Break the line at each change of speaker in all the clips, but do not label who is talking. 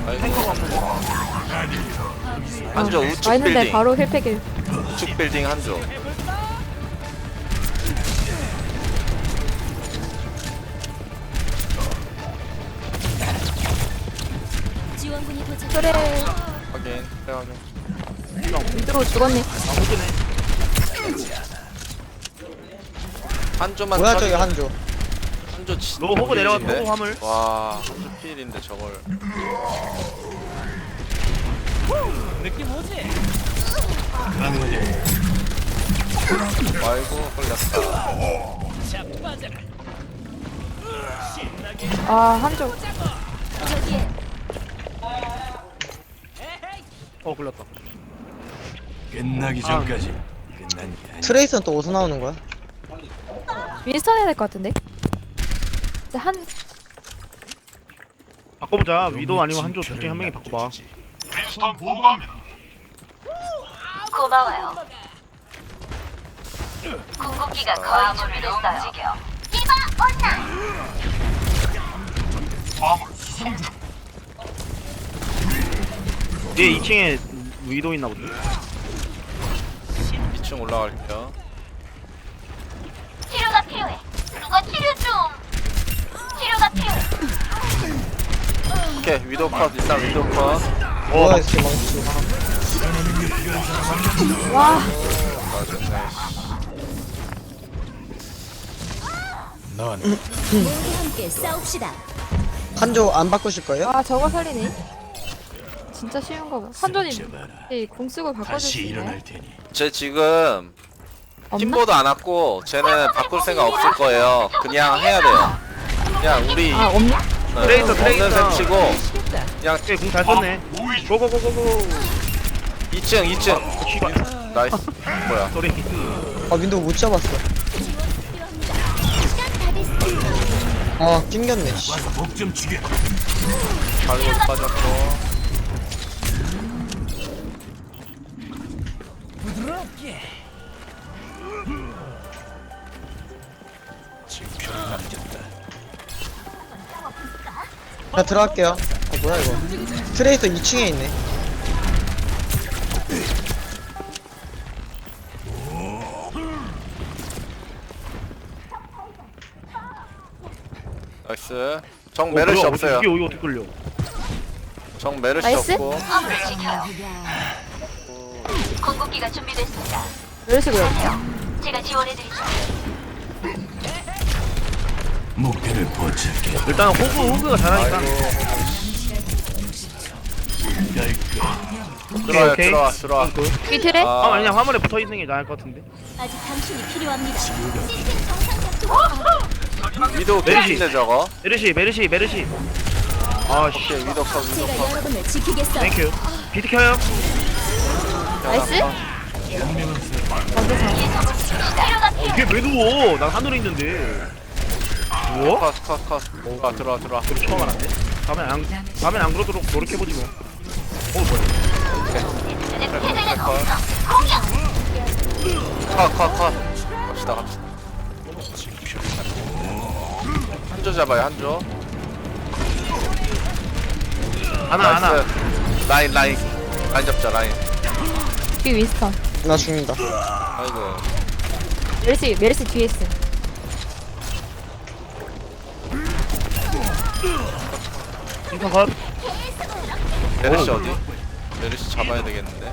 탱커가 한번
한조 우측
와있는데
빌딩.
바로 힐팩일.
우측 빌딩 한조.
지원군이 도착.
그래.
확인. 그래 확인.
위로 죽었네.
나오긴
한조만
뭐야 저기
처리해.
한조.
한조 진짜
로 호그 내려가,
필인데?
호그 화물.
와 한조 필인데 저걸. 아이고 걸렸다.
아 한쪽.
저기에
굴렸다.
끝나기 전까지 끝난 게 아니.
트레이스는 또 어디서 나오는 거야?
윈스턴 해야 될 것 같은데. 이제 한
바꿔보자. 위도 아니면 한조 둘 중에 한 명이 바꿔봐.
고마워요. 궁극기가 거의 준비됐어요. 디바 온나.
얘 2층에 위도 있나 보네.
2층 올라갈게요.
치료가 필요해. 누가 치료 좀. 치료가 필요해.
오케이 위도 컷 일단 위도 컷.
뭐야 이렇게 망치.
와.
맞았네.
넌
모두 함께 싸웁시다.
한조 안 바꾸실 거예요?
아 저거 살리네. 진짜 쉬운 거 봐. 한존이
잡아라.
공 쓰고 바꿔줄 수
다시
있나요?
일어날 테니.
쟤 지금
없나?
팀보도 안 왔고 쟤는 바꿀 생각 없을 거예요. 그냥 해야 돼요. 그냥 우리
아 없나?
트레이서, 트레이서.
없는 셈 치고 그냥
얘공잘 썼네. 고고고고고.
2층 나이스. 뭐야
소리.
아 윈도우 못 잡았어. 아 낑겼네. 씨.
목좀 죽여.
발로 빠졌고.
징표를 남겼다.
나 들어갈게요. 아 뭐야 이거. 트레이서 2층에 있네.
나이스. 정 메르시 없어요.
이게 어떻게 끌려?
정 메르시
나이스.
없고.
엄을 지켜요. 궁극기가 준비됐습니다.
이런 식으로.
제가 지원해드리죠.
목표를 포착해.
일단 호그가 잘하니까.
들어와요
오케이.
들어와.
위 틀에?
아 아니야, 화물에 붙어 있는 게 나을 것 같은데.
아직 당신이 필요합니다. 시스템 정상 작동.
위도
메르시.
개인데 저거.
메르시. 아 씨.
오케이 위도 컷 위도
제가
컷.
여러분을 지키겠어요.
땡큐. 비트 켜요.
나이스.
치료가 필요해.
이게 왜 누워? 난 하늘에 있는데. 누워?
컷. 들어와.
우리 처음 알았네. 다음엔 안 그러도록 노력해보지 뭐. 뭐야.
컷. 갑시다. 한조 잡아요 한조.
하나.
라인 잡자 라인.
위 윈스턴.
나 죽는다.
아이고.
메르시 뒤에 있음.
인턴 컷.
메르시 어디? 메르시 잡아야 되겠는데.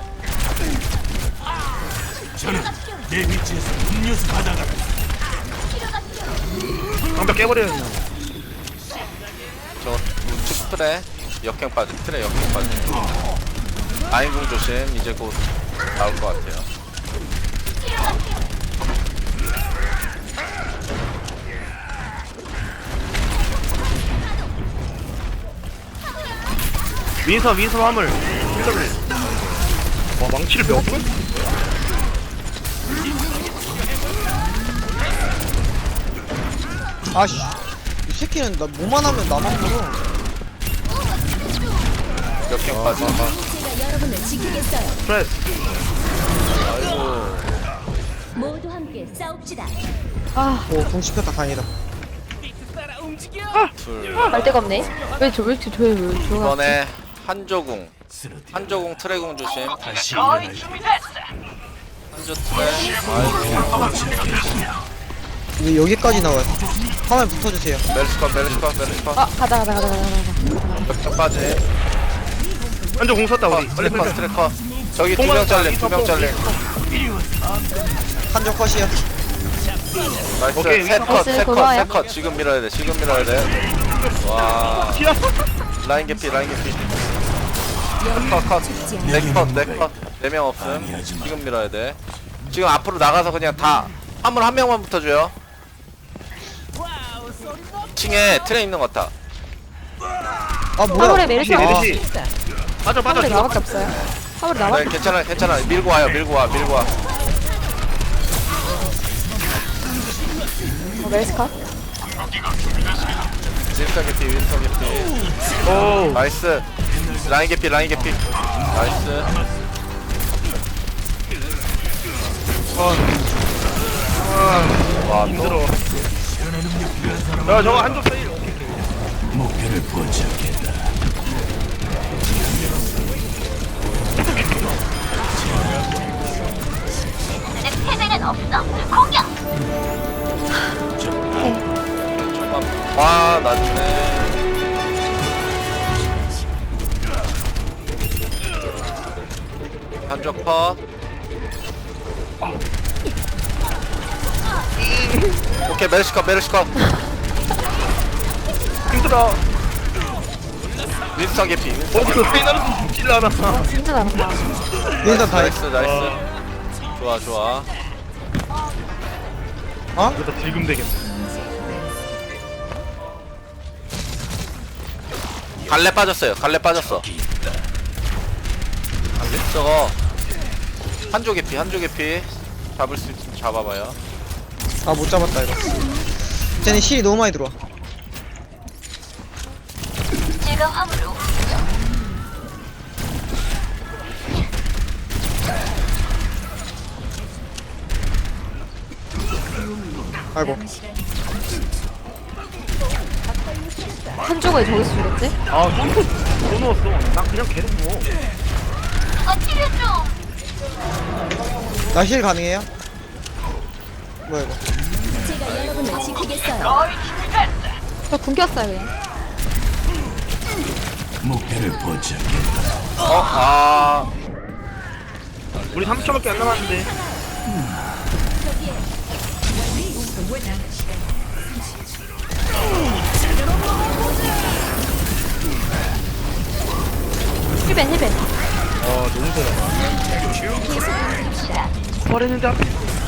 저는 내 위치에서 음료수 받아가.
방벽 깨버려요 그냥.
저 우측 트레 역행 빠져. 트레 역행 빠져. 라인궁 조심. 이제 곧 나올 것 같아요.
윈선 화물. 와 망치를 몇 번?
아씨. 이 새끼는 나 뭐만 하면 나만 물어.
역행 빠져.
제가 여러분을 지키겠어요.
프레스.
아이고.
모두 함께 싸웁시다.
아,
오궁 씹혔다 다행이다.
둘.
갈 데가 없네. 왜 저가
이번에 한조궁
쓰러뜨려.
한조궁 트레궁 조심.
다시 일어날
한조 트레.
왜 여기까지 나와요? 화면 붙어주세요.
멜스컷
가자.
역전 빠지.
한쪽 공 썼다 우리. 빨리
트래커
빨리.
트래커. 저기 두 명 잘림.
한쪽 컷이요.
나이스.
오케이,
나이스, 고마워요.
세컷 지금 밀어야 돼. 와. 라인 개피. 컷. 네컷. 4명 없음. 지금 밀어야 돼. 지금 앞으로 나가서 그냥 다 화물 한 명만 붙어줘요. 2층에 트레 있는 것 같아.
아 뭐야?
화물에 메르시
아,
메르시. 빠져.
화물에 나밖에 없어요. 화물에
네,
나밖에
괜찮아. 밀고 와.
메르시카?
윈스턴 개피.
오.
나이스. 라인 개피. 나이스. 와,
힘들어.
또
야 저거 한쪽 사이.
목표를 포착했다.
내 패배는 없어. 공격.
와, 낮네. 한쪽 컷. 오케이, 메르시컷.
힘들어.
윈스턴 개피.
그 페이나르도 죽질 않아.
진짜 잘한다.
윈선 다 했.
나이스. 좋아.
어?
이러다 딜금 되겠네.
갈래 빠졌어. 저거 한조 개피. 잡을 수 있으면 잡아봐요.
아 못 잡았다 이거. 쟤네 실이 너무 많이 들어와.
제가 화물을 옮기죠.
아이고.
한쪽에 저기 있겠지?
아 점프 또 넣었어. 난 그냥 계속 누워.
누가 치료 좀.
나 힐 가능해요? 뭐야 이거?
저 굶겼어요 그냥.
목표를 포착했다.
우리 30초밖에 안 남았는데.
힐벤.
아 너무 잘한다. 버렸는데 앞에.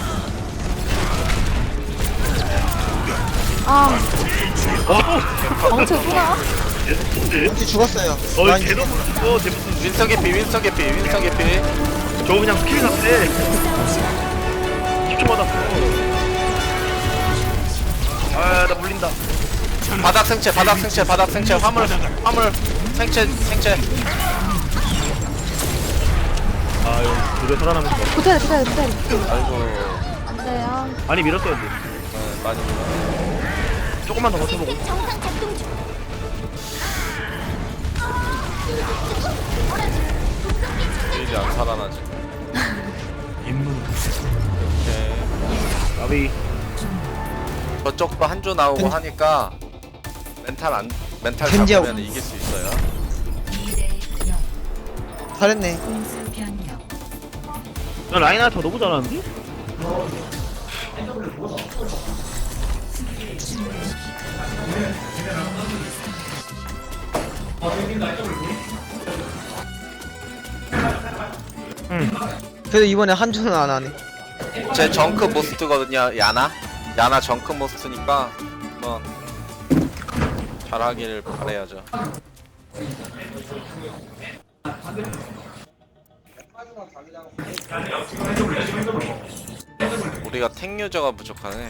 아,
어.
엉쳐 누나?
혹시 죽었어요.
어
라인
계속 어 재밌어.
윈스턴 개피.
저거 그냥 스킬 샀대. 10초 받았어. 아나 물린다.
바닥 생체. 화물 생체.
아유 그래 살아남은 거.
붙어야 돼.
아이고.
안 돼요.
많이 밀었어야 돼.
많이 밀어.
조금만 더 버텨보고.
정상 작동 중.
이제 안 살아나지.
임무는
오케이.
나비.
저쪽도 한조 나오고 하니까 멘탈
겐지하고.
잡으면 이길 수 있어요.
잘했네.
야 라인하터 너무 잘하는데?
그래도 이번에 한주는 안 하네.
제 정크 모스트거든요. 야나 정크 모스트니까 한번 잘하기를 바라야죠. 우리가 탱 유저가 부족하네.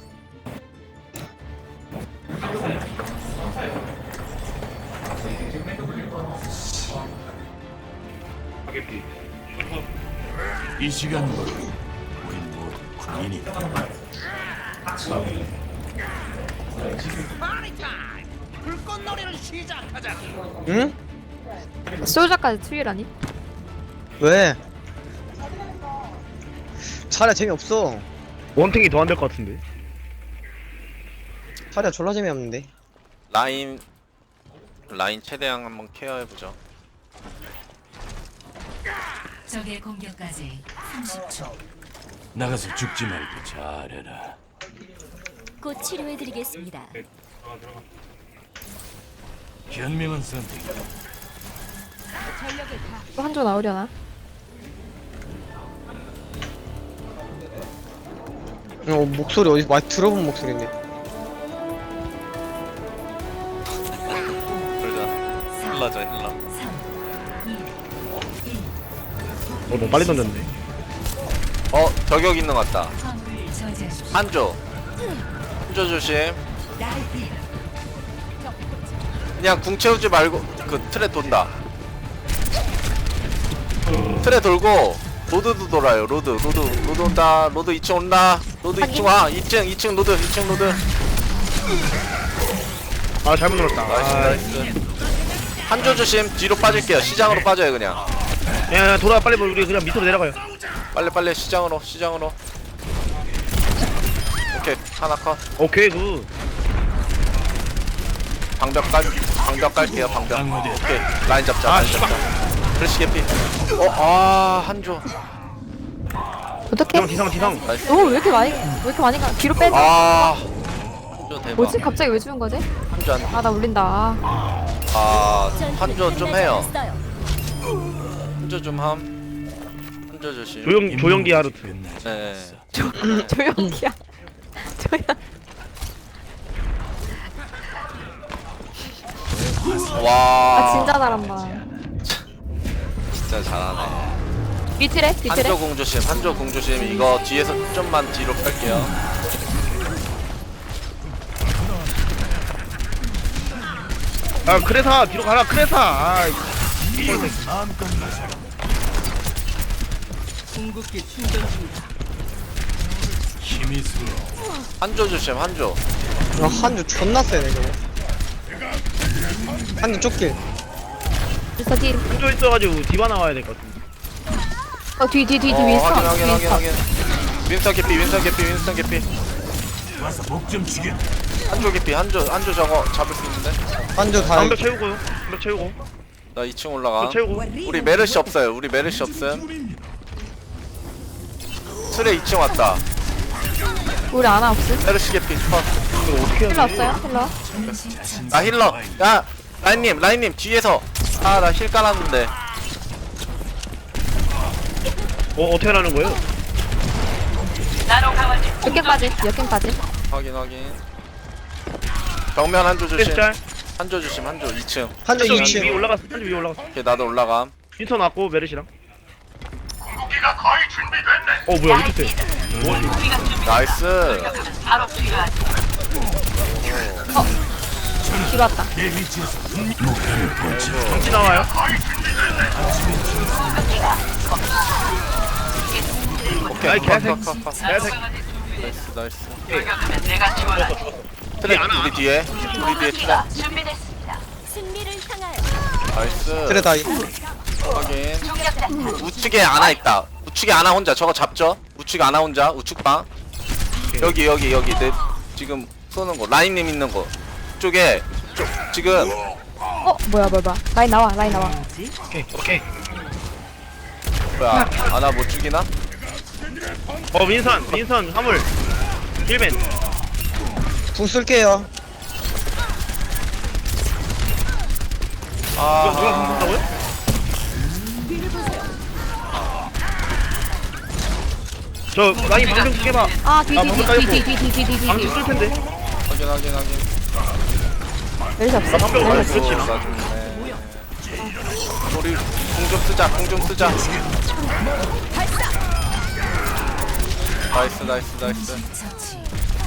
이 시간부로 우린 모두 군인이다.
응?
솔저까지 트윌하니?
왜? 차라리 재미없어.
원탱이 더 안 될 것 같은데.
차라리 졸라 재미없는데.
라인 최대한 한번 케어해보죠.
적의 공격까지 30초.
나가서 죽지 말고 잘해라.
곧 치료해드리겠습니다.
현명한 선택.
또 한조 나오려나?
목소리 어디서 많이 들어본 목소리인데.
그러자. 힐러죠 힐러.
너무 빨리 던졌네.
저격 있는 것 같다.
화물을 저지하십시오.
한조 조심. 그냥 궁 채우지 말고 그 틀에 돈다. 틀에 돌고 로드도 돌아요. 로드 온다. 로드 2층 온다. 로드 2층 와. 2층 로드.
아 잘못 눌렀다.
나이스. 한조 조심. 뒤로 빠질게요. 시장으로 빠져요 그냥.
야 돌아 빨리 우리 그냥 밑으로 내려가요.
빨리 시장으로. 오케이 하나 컷.
오케이 굿.
방벽 깔게요. 방벽.
강화돼.
오케이 라인 잡자. 그래시 개피. 한조.
어떡해?
지상.
나이스.
오, 왜 이렇게 많이 가? 뒤로 빼자.
한조 대박.
뭐지? 갑자기 왜 주는 거지?
한조 한.
아, 나 울린다.
한조 좀 해요. 한조 좀 함. 한조 조심.
조영기 하루트.
끝나지
네.
않았어.
조용히야.
와.
아, 진짜 잘한다.
진짜 잘하네.
뒤틀에?
한조 공 조심. 이거 뒤에서 좀만 뒤로 뺄게요.
아 크레사 뒤로 가라 크레사. 아
마음껏 나서 힘이 슬어.
한조 조심. 한조.
한주 존나 세네 저거. 한주 쫓길.
그래서 뒤.
한조 있어가지고 디바 나와야 될 것 같은데.
뒤
확인. 윈스턴 개피.
와서 목 좀 죽여.
한조 개피. 한조 저거 잡을 수 있는데.
한주 다.
방벽 채우고요. 방벽 채우고.
나 2층 올라가.
채우고.
우리 메르시 없어요. 없음. 트레 2층 왔다.
우리 아나 없음?
메르시 개피. 컷.
이거 어떻게 해야
힐러
돼?
없어요? 힐러?
나 힐러. 야 라인님 뒤에서. 나 힐 깔았는데.
어떻게 하라는 거예요?
역행까지.
확인. 정면 한조 조심.
크레스 짤.
한조 2층.
한주
한조
2층.
위에 올라갔어. 한조 위에 올라갔어.
오케이 나도 올라감.
윈턴 왔고 메르시랑. 뭐야 왜 이렇게 세?
나이스.
뒤로 왔다.
내 위치에서 목표를 포착.
정치 나와요.
오케이.
아이, 개새끼.
컷.
개새끼.
나이스.
죽었어.
트레 우리 뒤에 트레.
승리를 향하여.
나이스.
그래 다이.
확인. 우측에 아나 있다. 우측에 아나 혼자. 저거 잡죠. 우측 아나 혼자. 우측방. 여기 내 지금 쏘는 거. 라인님 있는 거. 쪽에 지금
뭐야. 라인 나와.
오케이.
뭐야? 아나 못 죽이나?
윈선 화물. 힐맨.
궁 쓸게요.
누가 공격한다고요? 저 라인 방금 깨봐.
아, 뒤.
방금 쓸 텐데.
확인.
메르시 없어?
나 방금
아이고,
그렇지.
나 죽네. 우리 궁 좀 쓰자. 나이스.
처치.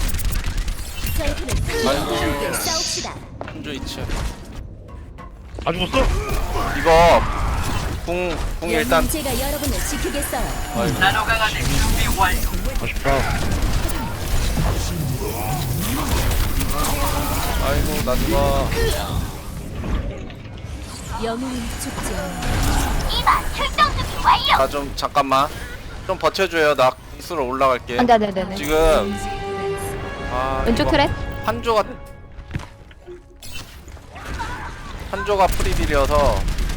아이고.
함께 싸웁시다.
한조 2층.
아 죽었어?
이거 궁 일단.
제가 여러분을 지키겠어요.
아이고.
아쉽다.
아이고 나 죽어.
영웅은 죽지 않아.
이봐 출동 준비 완료.
나 좀 잠깐만 좀 버텨줘요. 나 스로 올라갈게.
안돼 안돼 안돼.
지금
왼쪽
이거
트랩.
한조가 프리딜이어서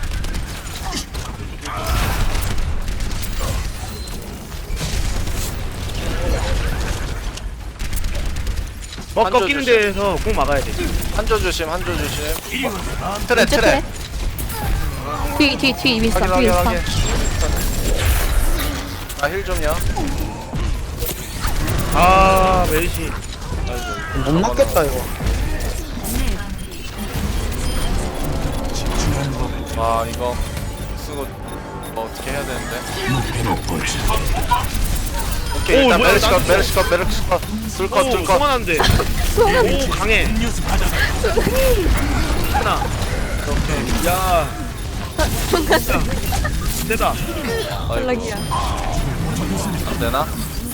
한조
꺾이는
조심.
데에서 꼭 막아야 돼.
한조 조심 한조 조심. 트레
왼쪽
트레.
트랩. 뒤 윈스턴
확인
뒤
확인
윈스턴.
확인. 아힐 좀요.
아 멜시.
못 맞겠다 이거.
와 이거 쓰고 뭐 어떻게 해야 되는데.
목표를 포착.
오케이
오,
일단
뭐야,
메르시컷
나한테.
메르시컷 둘컷
오
둘컷.
소만한데. 오 강해.
음료수 받아라.
하나. 오케이. 야. 세다.
연락이야.
안되나?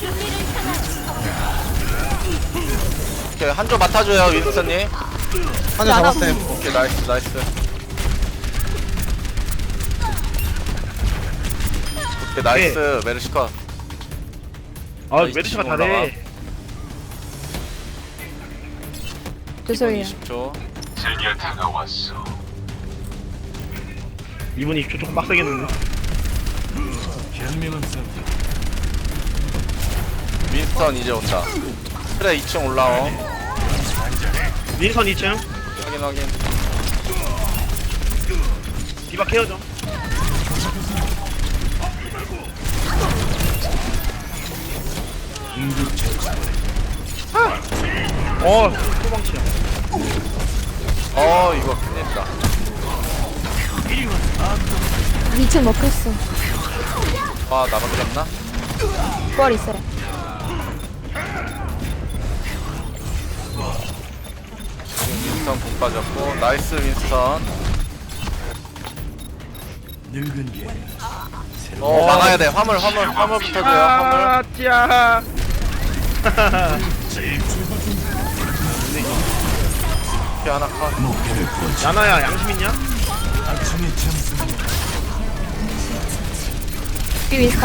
오케이 한조 맡아줘요 윈스턴님.
한대 잡았어요.
오케이 나이스 나이스. 오케이 나이스 메르시컷.
아 메르시가 잘해.
죄송해요.
20초.
이분이 조금 빡세겠는데.
현명한 선택.
윈스턴 이제 온다. 그래 2층 올라오.
윈선 2층.
확인 확인.
디바 케어 좀. 소방치야.
이거 큰일이다.
2층 먹혔어.
와 나밖에 없나?
부활 있어요.
윈스턴 공 빠졌고 나이스 윈스턴.
늙은 게
막아야 돼. 화물 붙어줘요. 화물.
아 짜.
이렇게 하나 컷.
목표를 포착.
야나야 양심 있냐?
아침의 점수는
뒤 윈스턴.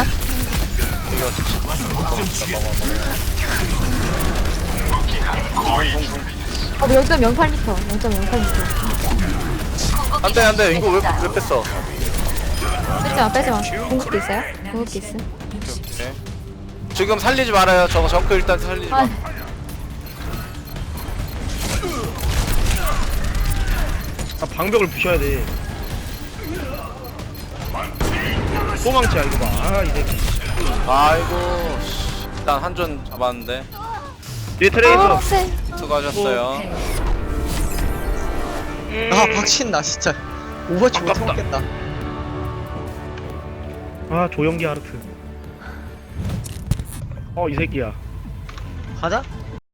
목좀 죽여.
어 0.08m. 0.08m.
안돼 이거 왜 뺐어?
빼지마. 공격기 있어요? 공격기 있음.
오케이. 지금 살리지 말아요. 저거 정크 일단 살리지 마.
아,
아 방벽을 부셔야 돼. 소방치야 이거 봐. 아이 새끼.
아이고 일단 한존 잡았는데
뒤에 트레이서.
쎄.
수고하셨어요.
아 박신 나 진짜. 오버치 못
아깝다.
먹겠다.
아 조영기 하르트. 이 새끼야.
가자.